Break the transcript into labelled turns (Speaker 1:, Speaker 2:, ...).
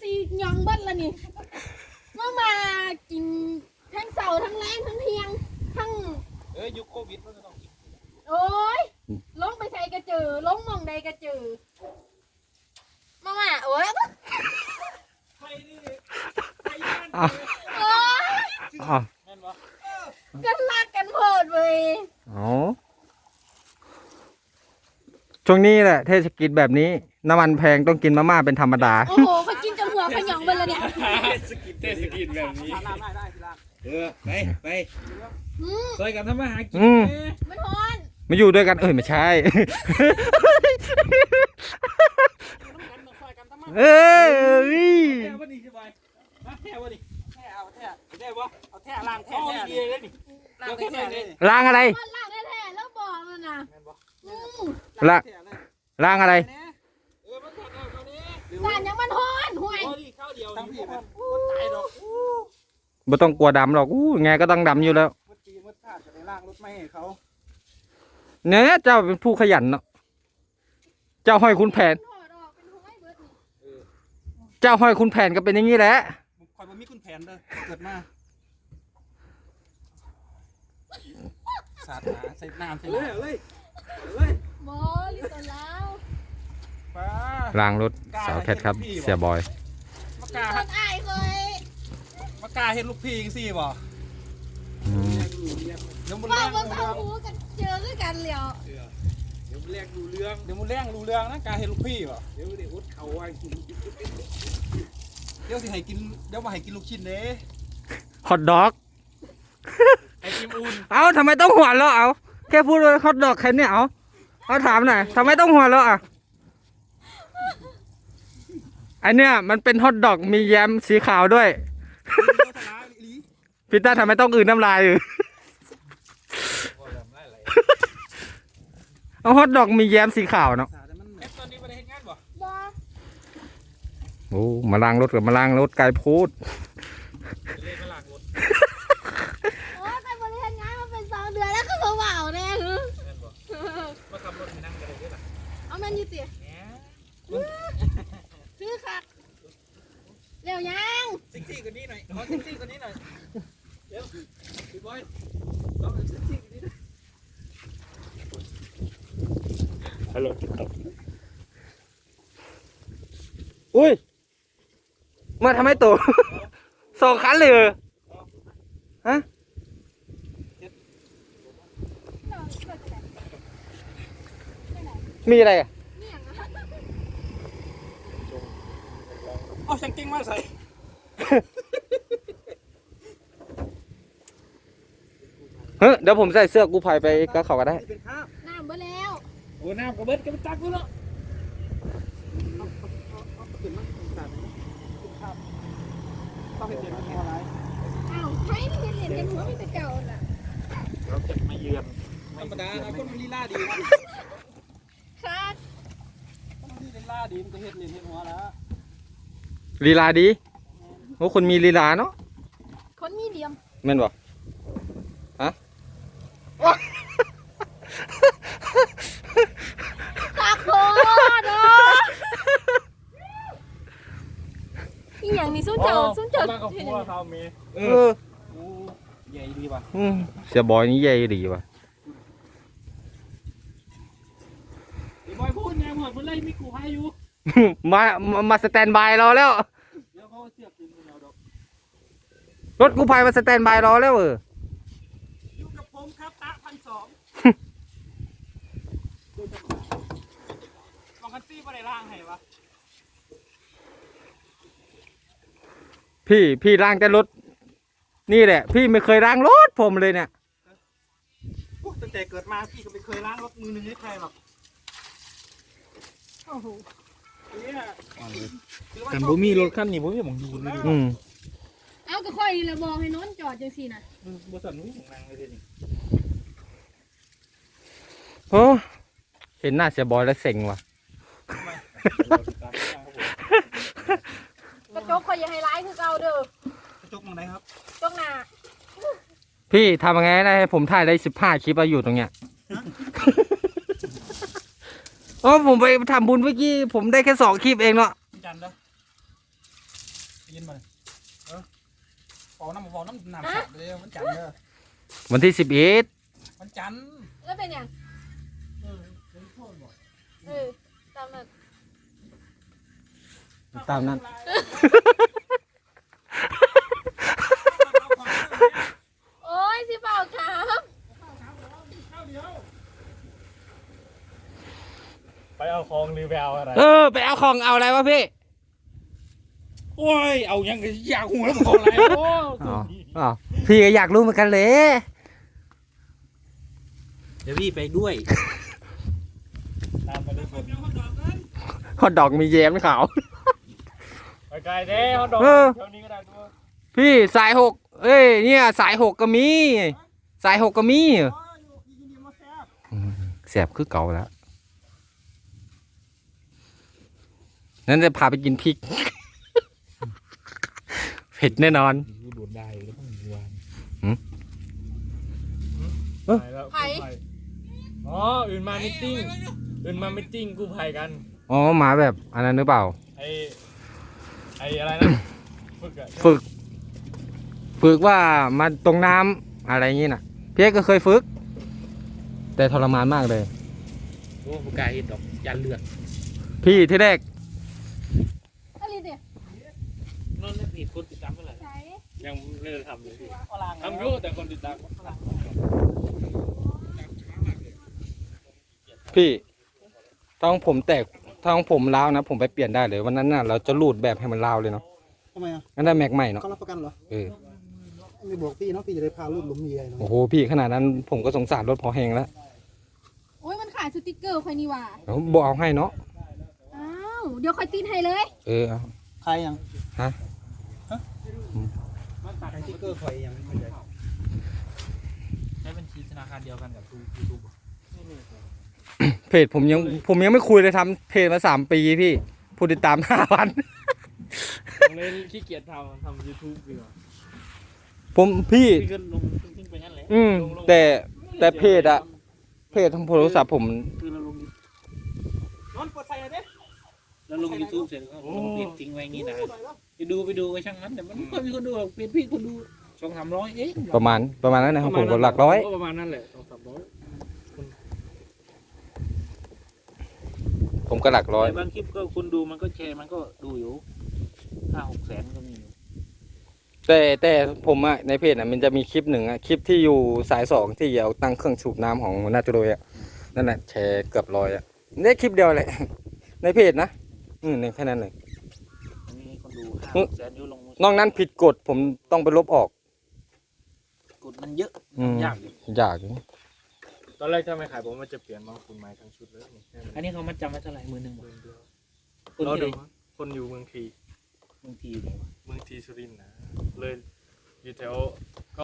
Speaker 1: นี่ยองเบิ้ลละนี่มากินทั้งเสาร์ทั้งแรงทั้งเที่ยงทั้ง
Speaker 2: ยุคโควิดมันก็ต้องกิน
Speaker 1: โอ้ยลงไปใส่กระจือลงมองใดกระจือมาโอ้ย
Speaker 2: ไปนี่ไป
Speaker 1: โอ้ยกันรักกันเพิดเว้ย
Speaker 3: ช่วงนี้แหละเทศกิจแบบนี้น้ำมันแพงต้องกินมาม่าเป็นธรรมดา
Speaker 1: โอ้โหเขากินจนหัวขยองไปเลยเนี่ย
Speaker 2: เทศกิจแบบนี้ไปซอยกันทำมาหากิน
Speaker 1: มันฮอน
Speaker 3: ไม่อยู่ด้วยกันไม่ใช่
Speaker 2: แท้วะนี่ใช่ไหมแท้วะนี่เอาแท้วะเอาแท้ล้างแท้เลยนี่
Speaker 3: ล้างอะไร
Speaker 1: ล้างแท้แล้วบอกมันนะ
Speaker 3: ล้างอะไร
Speaker 1: สารยังมันฮอนห่วย
Speaker 2: ข้าวเดียวทั้งพี่มันตายหรอก
Speaker 3: ไม่ต้องกลัวดำหรอกไงก็ต้องดำอยู่แล้ว
Speaker 2: มัดขาดจะไปล้างรถไม่ให้เขา
Speaker 3: เนี่ยเจ้าเป็นผู้ขยันเนาะเจ้าห้อยคุณแผนเจ้าห้อยคุณแผนก็เป็นอย่างนี้แหละ
Speaker 2: คอยบ่มีคุณแผนเลยเกิดมาสาดหาใส่น้ำใส่เลย
Speaker 1: บอลิตแล้ว
Speaker 3: ล้างรถสาวแคทครับเสียบอย
Speaker 2: มากา
Speaker 1: อายเคย
Speaker 2: มากาเห็นลูกพี่สิบ่
Speaker 1: เดี๋ยวมันแรงดูเรื่องกันเจอด้วยกันเหลียว
Speaker 2: เดี๋ยวมันแรงดูเรื่องนะกาเห็นลูกพี่บ่เดี๋ยวอุดเขาว่ากินเดี๋ยวสิให้กินเดี๋ยวมาให้กินลูกชิ้นเด้
Speaker 3: ฮอทดอก
Speaker 2: ไอติมอุ่น
Speaker 3: เอาทำไมต้องหัวเราะเอาแค่พูดว่าฮอทดอกแค่นี้เอาถามหน่อยทำไมต้องหัวเราะอันเนี้ยมันเป็นฮอทดอกมีแยมสีขาวด้วยพีต้าทำไมต้องอื่นน้ำลายเอาฮอทดอกมีแยมสีขาวเนาะโอ้มาล้างรถกับมาล้างรถไกลพูด
Speaker 1: โอ้ยไปบริหารงานมาเป็น2 เดือนแล้วก็เบาๆเนี่ย
Speaker 2: มาขับรถนั่งกันเลยล่ะ
Speaker 1: เอามันยืดเตี๋ยซื้อค่ะเร็วยัง
Speaker 2: ซิกซี่กว่านี้หน่อยขอซิกซี่กว่านี้หน่อยเร็วพี่บอยลองซิกซี่กว่านี้หน่อยฮัลโหล
Speaker 3: อุ้ยมาทำให้ตัว2 คันเลยฮะมีอะไรอ่ะ
Speaker 2: เอาช่างกิ้งมาใส่
Speaker 3: เฮ้ยเดี๋ยวผมใส่เสื้อกู้ภัยไปก็เขาก็ได้
Speaker 1: น้ำเบิดแล้ว
Speaker 2: โอ้น้ำกระเบิดก็ไปตักด้วยเนาะ
Speaker 1: อ้าวใครไม่เห็นเหรียญหัวมีแต่เก่าล่ะ
Speaker 2: เราจะมาเยือนธรรมดานะคนลีลาดี
Speaker 1: ครับ
Speaker 2: คนลีลาดีมันก็เห็ดเหรียญเห็ดหัวแล้ว
Speaker 3: ลีลาดีโอ้คนมีลีลาเนาะ
Speaker 1: คนมีเหลี่ยม
Speaker 3: แม่นบ่ฮะ
Speaker 1: ขาโคตรเนาะอีหยังนี่สู้เจ้า
Speaker 2: มากับพัวเขาเมย์ใหญ่ดีป่ะ
Speaker 3: เสียบอยนี่ใหญ่ดีป่ะ
Speaker 2: บอยพูดไงหมดเมื่อไรมีกูให้อยู่
Speaker 3: มาสแตนบายรอแล้วรถกู้ภัยมาสแตนบายรอแล้ว
Speaker 2: อยู่กับผมครับตะ1,200ลองคันซี่ไปไหนล่างให้วะ
Speaker 3: พี่ล้างแต่รถนี่แหละพี่ไม่เคยล้างรถผมเลยเนี่ย
Speaker 2: ตั้งแต่เกิดมาพี่ก็ไม่เคยล้างรถมือหนึ่งให้ใครหรอก
Speaker 1: โอ้โห
Speaker 2: กันบ่มีรถคันนี้บ่มีหม่องอยู่เลย
Speaker 1: เอาก็ค่อยนี่แหละบอกให้น้นจอดจังซี่นะ
Speaker 2: บ่สั่นหูของนางเลยนี่
Speaker 3: โอ้เห็นหน้าเสียบอยแล้วเซ็งว่ะ
Speaker 1: กระจกค่อยอย่าให้ร้ายคือเก่าเด้อก
Speaker 2: ระจกมองไหนครับ
Speaker 1: จกหน้า
Speaker 3: พี่ทำยังไงได้ให้ผมถ่ายได้15 คลิปอยู่ตรงเนี้ยผมไปทำบุญเมื่อกี้ผมได้แค่2 คลิปเองเนาะ
Speaker 2: จันเด้อกินมาเป่าน้ำน้ำสดเลยวันจันทร์เด้อ
Speaker 3: วันที่11
Speaker 2: วันจันทร์
Speaker 1: แล้วเป็นยังตามนั้น
Speaker 3: ตามนั้น
Speaker 1: โอ้ยสิเปล่าครับ
Speaker 4: ไปเอาของหรือไปเอาอะไร
Speaker 3: ไปเอาของเอาอะไรวะพี่
Speaker 2: โอ้ยเอายังอยากหัวแล้วมันของอะไรโอ้
Speaker 3: อ๋อพี่ก็อยากรู้เหมือนกันเลย
Speaker 2: เดี๋ยวพี่ไปด้วย
Speaker 4: ตามไปด้วยคน
Speaker 3: ฮอตดอกมีแยมขาว
Speaker 4: ไปไกลเด้เขาดอก
Speaker 3: เออ
Speaker 4: เท่านี้ก็ได้ตัว
Speaker 3: พี่สาย6เนี่ยสาย6ก็มีสาย6ก็มีแสบคือเก่าแล้วนั่นจะพาไปกินพริก เผ็ดแน่นอน
Speaker 4: ดูดูดได้แล้วต้องวาน
Speaker 3: หืม
Speaker 4: ไปแล้วกู้ภัยอ๋ออื่นมามิทติ้งกู้ภัยกัน
Speaker 3: อ๋อหมาแบบอันนั้นหรือเปล่า
Speaker 4: ไออะไรนะฝึกอะ
Speaker 3: ฝึกว่ามาตรงน้ำอะไรอย่างงี้น่ะพี่เอกก็เคยฝึก แต่ทรมานมากเลย
Speaker 2: โอ้ผู้กายเห็นดอกยันเลือด
Speaker 3: พี่ที่แรก
Speaker 1: อะไรเนี่ย
Speaker 2: นั่นนี่ผิดคนติดตามเมื่อไหร่
Speaker 1: ใช้
Speaker 4: ยังไม่ได้ทำเลยพี่ทำอยู่แต่คนติดตาม
Speaker 3: พี่ท้องผมแตกท้องผมร้าวนะผมไปเปลี่ยนได้เลยวันนั้นน่ะเราจะรูดแบบให้มันร้าวเลยเนาะ
Speaker 5: ทำไมอ่ะ
Speaker 3: งั้นได้แม็กใหม่เนาะ
Speaker 5: เขารับประกันเหรอ
Speaker 3: เออ
Speaker 5: ไม่บอกพี่เนาะพี่จะได้พาลูกหลุมเมียเนาะ
Speaker 3: โอ้โหพี่ขนาดนั้นผมก็สงสารรถพอแหงแล้ว
Speaker 1: โอ้ยมันขายสติกเกอร์คอยนี่หว่า
Speaker 3: เขาบอกเอาให้เนาะ
Speaker 1: อ้าวเดี๋ยวคอยตีนให้เลย
Speaker 3: เออเอา
Speaker 5: ใครยัง
Speaker 3: ฮะ
Speaker 5: ใครติ๊กเกอร์ใครยังไม่ใช่
Speaker 2: ใช้บัญชีธนาคารเดียวกันกับยูทูบ
Speaker 3: เพจผมยังไม่คุยเลยทำเพจมา3 ปีพี่ผู้ติดตาม5,000
Speaker 4: ผมเลยขี้เกียจทำ YouTube ดีกว่า
Speaker 3: ผมพี่
Speaker 2: พี่ก็ลงทิ้งไปงั้นแหละ
Speaker 3: แต่เพจทางโทรศัพท์ผม
Speaker 2: คือเราลง
Speaker 5: นอนเปิดไฟเลยเด้
Speaker 2: แล้วลงยูทูบเสร็จก็ลงเพจทิ้งไว้งี้นะไปดูก็ช่างนั้นแต่มันก็มีคนดูเพจพี่คนดู200-300เอง
Speaker 3: ประมาณนั้นนะครับผมก็หลักร้อย
Speaker 4: ประมาณนั้นแหละ200-300
Speaker 3: ผมก็หลักร้อย
Speaker 2: แต่บางคลิปก็คนดูมันก็แชร์มันก็ดูอยู่5-6 แสนก็มีอยู่
Speaker 3: แต่ผมอะในเพจอะมันจะมีคลิปหนึ่งอะคลิปที่อยู่สาย2ที่เอาตั้งเครื่องสูบน้ำของหัวหน้าจุโรยอะนั่นแหละแชร์เกือบ100อะนี่คลิปเดียวแหละ ในเพจนะในแค่นั้นเลย
Speaker 2: มีคนดู5-6 แสนอยู่ลง
Speaker 3: นอกนั้นผิดกฎผมต้องไปลบออก
Speaker 2: กดมันเยอะ ยากอยู่
Speaker 3: ยากอยู่
Speaker 4: ตอนแรกถ้าไม่ขายผมมันจะเปลี่ยนมาคุณไม้ทั้งชุดเลย
Speaker 2: อันนี้เขามาจำไว้เท่าไหร่10,000คน
Speaker 4: เรา
Speaker 2: ที่ไห
Speaker 4: ดู
Speaker 2: น
Speaker 4: คนอยู่เมืองที
Speaker 2: บางทีอยู่ไหนวะ
Speaker 4: เมืองทีสุรินทร์นะเลยอยู่แถว